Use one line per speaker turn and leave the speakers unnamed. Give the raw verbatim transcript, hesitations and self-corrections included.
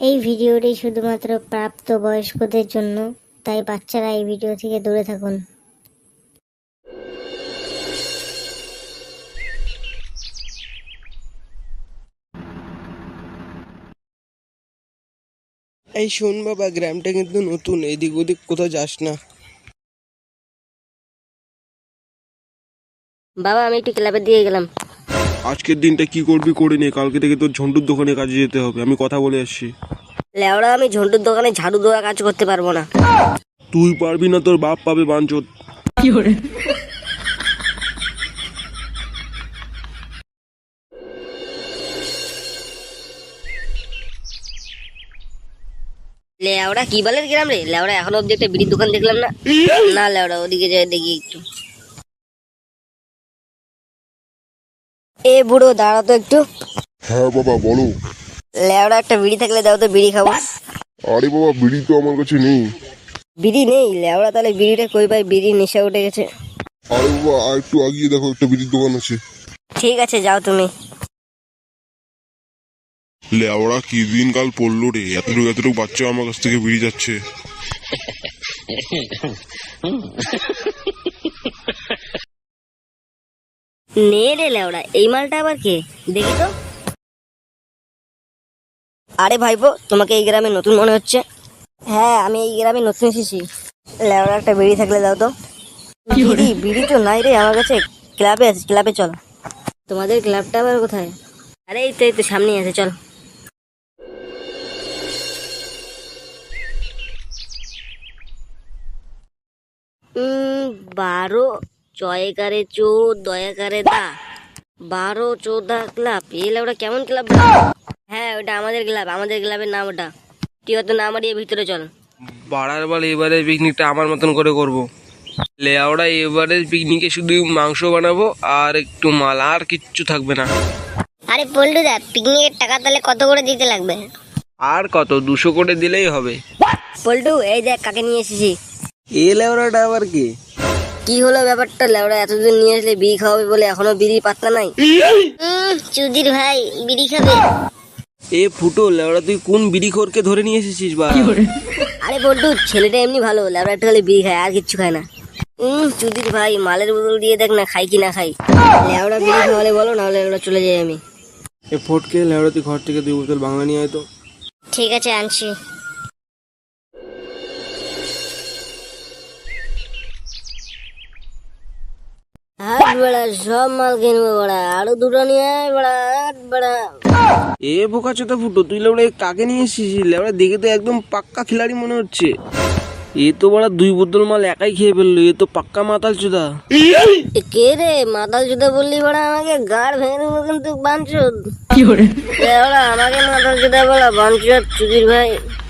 এই ভিডিওটি শুধুমাত্র প্রাপ্তবয়স্কদের জন্য, তাই বাচ্চারা এই ভিডিও থেকে দূরে থাকুন।
এই শোন বাবা, গ্রামটা কিন্তু নতুন, এদিক ওদিক কোথাও যাস না।
বাবা আমি একটু ক্লাবে দিয়ে গেলাম।
আজকের দিনটা কি করবি করে নে, কালকে থেকে তোর ঝন্টুর দোকানে কাজে যেতে হবে, আমি কথা বলে আসছি।
লেওড়া আমি ঝন্টুর দোকানে ঝাড়ু দেওয়া কাজ করতে পারবো না।
তুই পারবি না, তোর বাপ পাবে বাঞ্চোত।
লেওড়া কি বলের গ্রাম রে? লেওড়া এখনো অব্দি একটা বিড়ির দোকান দেখলাম না। না লেওড়া ওদিকে যাই দেখি একটু। এ বুড়ো দাঁড়া তো একটু।
হ্যাঁ বাবা বলো।
লেওড়া একটা বিড়ি থাকলে দাও তো, বিড়ি খাবো।
আরে বাবা, বিড়ি তো আমার কাছে নেই।
বিড়ি নেই? লেওড়া তাহলে বিড়িটা কই পাই? বিড়ি নেশা উঠে গেছে।
আরে বাবা, আর একটু আগিয়ে দেখো, একটা বিড়ির দোকান আছে।
ঠিক আছে যাও তুমি।
লেওড়া কি দিন কাল পড়লো রে, এতটুকু এতটুকু বাচ্চা আমার কাছ থেকে বিড়ি যাচ্ছে।
নে রে লেওড়া, এই মালটা আবার কে? দেখি তো। আরে ভাইপো, তোমাকে এই গ্রামে নতুন মনে হচ্ছে। হ্যাঁ আমি এই গ্রামে নতুন এসেছি। লেওড়া একটা বিড়ি থাকলে দাও তো। বিড়ি? বিড়ি তো নাই রে আমার কাছে। ক্লাবে আছে, ক্লাবে চল। তোমাদের ক্লাবটা আবার কোথায়? আরে এই তো এই তো সামনেই আছে, চল। উম বারো জয়কারে চো দয়াকারে দা বারো চোদ্দা ক্লাব। এলে ওটা কেমন ক্লাব? হ্যাঁ ওটা আমাদের ক্লাব, আমাদের ক্লাবের নাম ওটা। তুই অত নাম দিয়ে ভিতরে চল।
বাড়ার বল, এবারে পিকনিকটা আমার মতন করে করব। লেওড়া এবারে পিকনিকে শুধু মাংস বানাবো আর একটু মাল, আর কিচ্ছু থাকবে না।
আরে পল্টুদা, পিকনিকের টাকা তাহলে কত করে দিতে লাগবে?
আর কত, দুশো করে দিলেই হবে।
পল্টু এই দেখ কাকে নিয়ে এসেছি।
এ লেওড়াটা আবার কি?
কি হলো ব্যাপারটা? লেওড়া এতদিন নিয়ে আসলে বিড়ি খাওয়াবে বলে এখনো বিড়ি পাত্তা নাই।
উম, চুদির ভাই বিড়ি খাবে?
এ ফুটো, লেওড়া তুই কোন বিড়িখোরকে ধরে নিয়ে এসেছিস বা?
আরে পল্টু, ছেলেটা এমনি ভালো, লেওড়া একটু খালি বিড়ি খায় আর কিচ্ছু খায় না। হম চুদির ভাই, মালের বোতল দিয়ে দেখ না, খাই কি না খাই। লেওড়া বিড়ি খাওয়ালে বলো, নাহলে লেওড়া চলে যাই আমি।
এ ফটকে, লেওড়া তুই ঘর থেকে দুই বোতল বাংলা নিয়ে আয় তো।
ঠিক আছে আনছি।
হাট বেড়া, সব মাল কিনবো বড়া, আরো দুটো নিয়ে আয় বড়া, হাট বেড়া।
এ বোকা চোদা ফুটো, তুই লেওড়া এ কাকে নিয়ে এসেছিস? লেওড়া দেখে তো একদম পাক্কা খিলাড়ি মনে হচ্ছে। এ তো বড়া দুই বোতল মাল একাই খেয়ে ফেললো, এ তো পাক্কা মাতাল চোদা।
এ কে রে? মাতাল জুতা বললি বড়া, আমাকে গাড় ভেঙে দেবো কিন্তু বাঞ্চদ। লেওড়া আমাকে মাতাল জুতা বলা বাঞ্চদ, চুদির ভাই।